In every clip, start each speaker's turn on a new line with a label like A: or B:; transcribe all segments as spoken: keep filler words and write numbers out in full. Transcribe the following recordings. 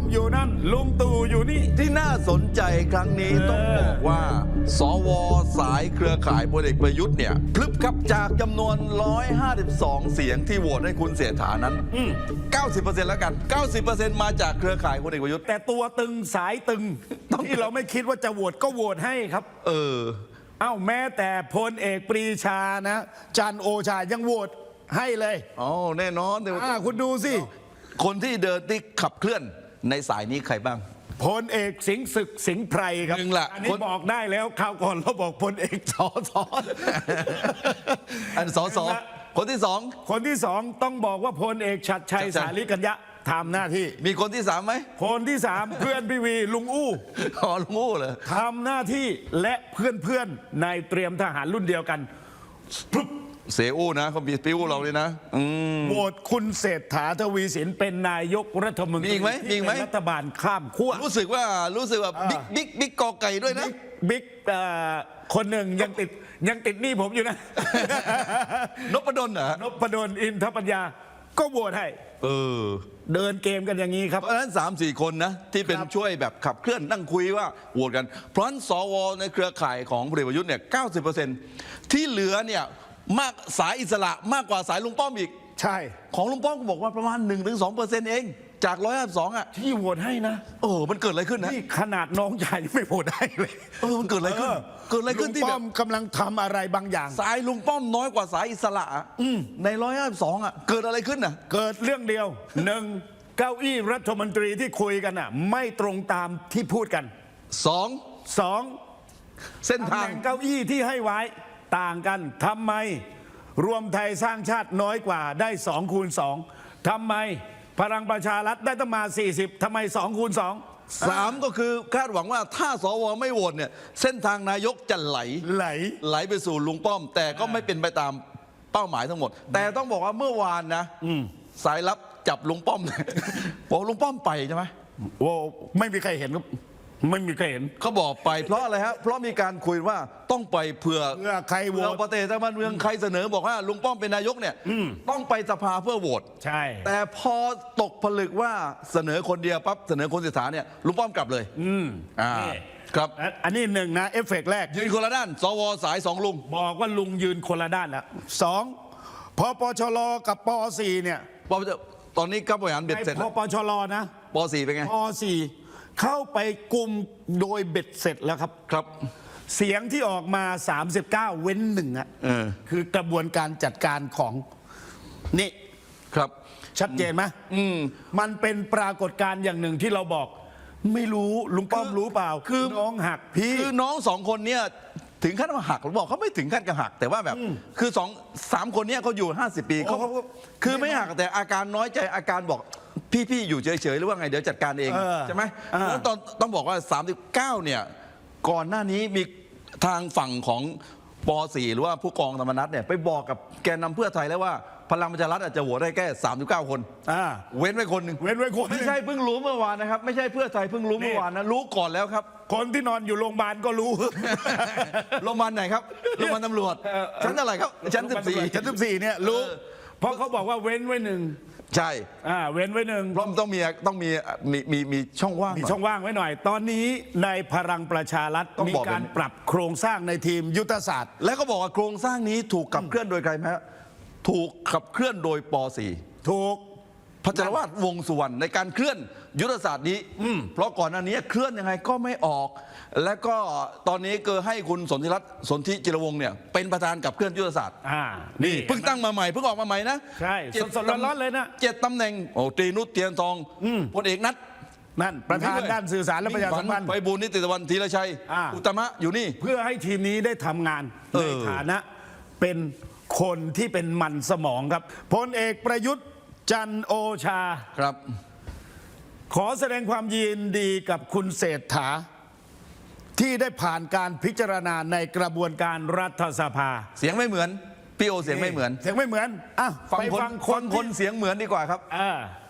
A: อยู่นั่นลุงตู่อยู่นี่
B: ที่น่าสนใจครั้งนี้ต้องบอกว่าสวสายเครือข่ายพลเอกประยุทธ์เนี่ยพลึบครับจากจำนวนหนึ่งร้อยห้าสิบสองเสียงที่โหวตให้คุณเศรษฐานั้น เก้าสิบเปอร์เซ็นต์ แล้วกัน เก้าสิบเปอร์เซ็นต์ มาจากเครือข่ายพลเอกประยุทธ์
A: แต่ตัวตึงสายตึงที่เราไม่คิดว่าจะโหวตก็โหวตให้ครับ
B: เออ
A: เอ้าแม้แต่พลเอกปรีชานะจันทร์โอชายังโหวตให้เลย
B: อ๋อแน่นอนเดี๋ยว
A: คุณดูสิ
B: คนที่เดินที่ขับเคลื่อนในสายนี้ใครบ้าง
A: พลเอกสิงห์ศึกสิงห์ไพรครับ
B: หนึ่งละ
A: อันนี้บอกได้แล้วคราวก่อนเราบอกพลเอกสอสอ
B: อันสอสอคนที่สอง
A: คนที่สองต้องบอกว่าพลเอกชัดชัยสาลีกัญญะทำหน้าที่
B: มีคนที่สามไหม
A: คนที่สามเพื่อนพี่วีลุงอู้
B: อ๋อลุงอู้เหรอ
A: ทำหน้าที่และเพื่อนเพื่อนในเตรียมทหารรุ่นเดียวกัน
B: เสอู้นะเขามีปิ้วเราเลยนะ
A: โหวตคุณเศรษฐาทวีสินเป็นนายกรัฐมนตรี
B: ที่เป็น
A: รัฐบาลข้ามขั้ว
B: รู้สึกว่ารู้สึกว่าบิ๊กบิ๊กบิ๊กกอไก่ด้วยนะ
A: บิ๊กคนหนึ่งยังติดยังติดหนี้ผมอยู่นะ
B: นพดลเหรอน
A: พดลอินทปัญญาก็โหวตให้
B: เออ
A: เดินเกมกันอย่างนี้ครับ
B: เพราะฉะนั้น สามสี่ คนนะที่เป็นช่วยแบบขับเคลื่อนนั่งคุยว่าโหวตกันเพราะฉะนั้นสวในเครือข่ายของพลเอกประยุทธ์เนี่ย เก้าสิบเปอร์เซ็นต์ ที่เหลือเนี่ยมากสายอิสระมากกว่าสายลุงป้อมอีก
A: ใช่
B: ของลุงป้อมก็บอกว่าประมาณ หนึ่งถึงสองเปอร์เซ็นต์ เองจากหนึ่งร้อยห้าสิบสองอ่ะ
A: ที่โหวตให้นะ
B: โอ้มันเกิดอะไรขึ้นนะ
A: นี่ขนาดน้องชายไม่โหวตให้เลย
B: เออมันเกิดอะไรขึ้นเกิดอะไรขึ้นที่
A: ลุงป้อมกำลังทำอะไรบางอย่าง
B: สายลุงป้อมน้อยกว่าสายอิสระในหนึ่งร้อยห้าสิบสองอ่ะเกิดอะไรขึ้นอ่ะ
A: เกิดเรื่องเดียวหนึ่งเก้าอี้รัฐมนตรีที่คุยกันอ่ะไม่ตรงตามที่พูดกัน
B: สอง
A: สอง
B: เส้นทาง
A: เก้าอี้ที่ให้ไว้ต่างกันทำไมรวมไทยสร้างชาติน้อยกว่าได้สองคูณสองทำไมพลังประชารัฐได้ตั้งมาสี่สิบทำไมสองคูณสอง
B: สามก็คือคาดหวังว่าถ้าสวไม่โหวตเนี่ยเส้นทางนายกจะไหล
A: ไหล
B: ไหลไปสู่ลุงป้อมแต่ก็ไม่เป็นไปตามเป้าหมายทั้งหมดแต่ต้องบอกว่าเมื่อวานนะสายลับจับลุงป้อมบอกลุงป้อมไปใช่ไหม
A: โอ้ไม่มีใครเห็นครับไม่มีใครเห็น
B: เขาบอกไปเพราะอะไรฮะเพราะมีการคุยว่าต้องไปเผื่อ
A: เพื่อใครโหวต
B: ประเทศบ้านเมืองใครเสนอบอกว่าลุงป้อมเป็นนายกเนี่ยต้องไปสภาเพื่อโหวต
A: ใช่
B: แต่พอตกผลึกว่าเสนอคนเดียวปั๊บเสนอคนเศรษฐาเนี่ยลุงป้อมกลับเลย
A: อืม
B: อ่าครับ
A: อันนี้หนึ่งนะเอฟเฟกต์แรก
B: ยืนคนละด้านสวสายสองลุง
A: บอกว่าลุงยืนคนละด้านแล้วสองพอปชรกับปสี่เนี่ย
B: ตอนนี้กับบริหารเบ็ดเสร็จ
A: พอปชรนะ
B: ปสี่เป็นไง
A: ปสี่เข้าไปกลุ่มโดยเบ็ดเสร็จแล้วครับ
B: ครับ
A: เสียงที่ออกมาสามสิบเก้าเว้นหนึ่งอ่ะคือกระบวนการจัดการของนี่
B: ครับ
A: ชัดเจนไหมมันเป็นปรากฏการณ์อย่างหนึ่งที่เราบอกไม่รู้ลุงป้อมรู้เปล่า
B: คือ
A: น้องหักพี่
B: คือน้องสองคนเนี่ยถึงขั้นว่าหักหรือบอกเขาไม่ถึงขั้นกับหักแต่ว่าแบบคือสองสามคนเนี้ยเขาอยู่ห้าสิบปีเขาคือไม่หักแต่อาการน้อยใจอาการบอกพี่ๆอยู่เฉยๆหรือว่าไงเดี๋ยวจัดการเองใช่ไหมแล้วตอนต้องบอกว่าสามสิบเก้าเนี่ยก่อนหน้านี้มีทางฝั่งของป.สี่หรือว่าผู้กองธรรมนัสเนี่ยไปบอกกับแกนนำเพื่อไทยแล้วว่าพลังประชารัฐอาจจะโหวตได้แค่สามสิบเก้าคนเว้นไว้คนหนึ่ง
A: เว้นไว้คน
B: ไม่ใช่เพิ่งรู้เมื่อวานนะครับไม่ใช่เพื่อไทยเพิ่งรู้เมื่อวานนะรู้ก่อนแล้วครับ
A: คนที่นอนอยู่โรงพยาบาลก็รู้
B: โรงพยาบาลไหนครับโรงพยาบาลตำรวจชั้นอะไรครับชั้นสิบสี่
A: ชั้นสิบสี่เนี่ยรู้เพราะเขาบอกว่าเว้นไว้หนึ่ง
B: ใช่
A: อ่าเว้นไว้หนึ่ง
B: เพราะต้องมีต้องมีมีมีมีช่องว่าง
A: มีช่องว่างไว้หน่อยตอนนี้ในพลังประชารัฐมีการปรับโครงสร้างในทีมยุทธศาสตร์
B: และก็บอกว่าโครงสร้างนี้ถูกขับเคลื่อนโดยใครไหมถูกขับเคลื่อนโดยป.สี่
A: ถูก
B: พจรวาทวงสุวรรณในการเคลื่อนยุทธศาสตร์นี้เพราะก่อนหน้านี้เคลื่อนยังไงก็ไม่ออกและก็ตอนนี้เกิดให้คุณสนธิรัตน์สนธิจิรวงศ์เนี่ยเป็นประธานกับเคลื่อนยุทธศาสตร์
A: อ่า
B: นี่เพิ่งตั้งมาใหม่เพิ่งออกมาใหม่นะ
A: ใช่สดๆร้อนๆเลยนะ
B: เจ็ดตำแหน่งโอ้ตรีนุชเทียนทองพลเอกนัท
A: นั่นประธานด้านสื่อสารและประชาสัมพันธ์
B: ไปบูลนิติตะวันธีรชัยอุตมะอยู่นี่
A: เพื่อให้ทีมนี้ได้ทำงานในฐานะเป็นคนที่เป็นมันสมองครับพลเอกประยุทธ์จันทร์โอชา
B: ครับ
A: ขอแสดงความยินดีกับคุณเศรษฐาที่ได้ผ่านการพิจารณาในกระบวนการรัฐสภา
B: เสียงไม่เหมือนพี่โอเสียงไม่เหมือน
A: เสียงไม่เหมือนอ่ะ
B: ฟังคนฟังคนเสียงเหมือนดีกว่าครับ
A: อ่า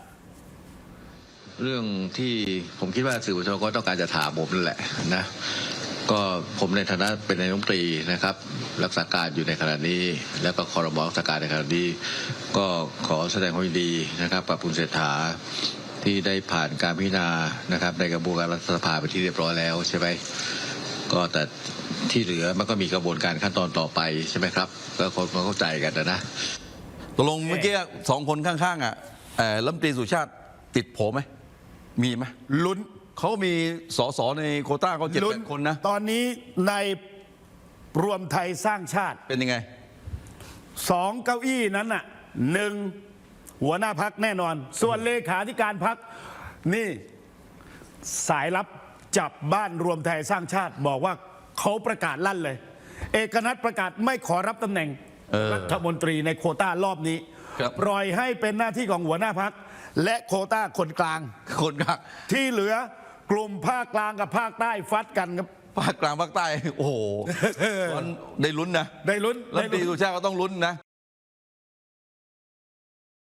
C: เรื่องที่ผมคิดว่าสื่อมวลชนก็ต้องการจะถามผมนั่นแหละนะก็ผมในฐานะเป็นนายกรัฐมนตรีนะครับรักษาการอยู่ในขณะนี้แล้วก็ครม.รักษาการในขณะนี้ก็ขอแสดงความยินดีนะครับกับคุณเศรษฐาที่ได้ผ่านการพิจารณานะครับในกระบวนการรัฐสภาไปที่เรียบร้อยแล้วใช่ไหมก็แต่ที่เหลือมันก็มีกระบวนการขั้นตอนต่อไปใช่ไหมครับก็คนเข้าใจกันนะ
B: ตกลงเมื่อกี้สองคนข้างๆอ่ะเอ่อรัฐมนตรีสุชาติติดโผไหมมีไหม
A: ลุ้น
B: เขามีสสในโควต้าเขาเจ็ด
A: ลุ้
B: แปดคนนะ
A: ตอนนี้ในรวมไทยสร้างชาติ
B: เป็นยังไง
A: สองเก้าอี้นั้นน่ะหนึ่งหัวหน้าพักแน่นอน ส่วนเลขาธิการพักนี่สายลับจับบ้านรวมไทยสร้างชาติ บอกว่าเขาประกาศลั่นเลย เอกนัทประกาศไม่ขอรับตำแหน่ง
B: เออ
A: รัฐมนตรีในโควต้ารอบนี้
B: ครับ
A: ปล่อยให้เป็นหน้าที่ของหัวหน้าพักและโควต้าคนกลาง
B: คนกลาง
A: ที่เหลือกลุ่มภาคกลางกับภาคใต้ฟัดกันครับ
B: ภาคกลางภาคใต้ โอ้โห มันได้ลุ้นนะ
A: ได้ลุ้น
B: รัฐ
A: ได้
B: มนตรี
A: ลุ้น
B: สุชาติก็ต้องลุ้นนะ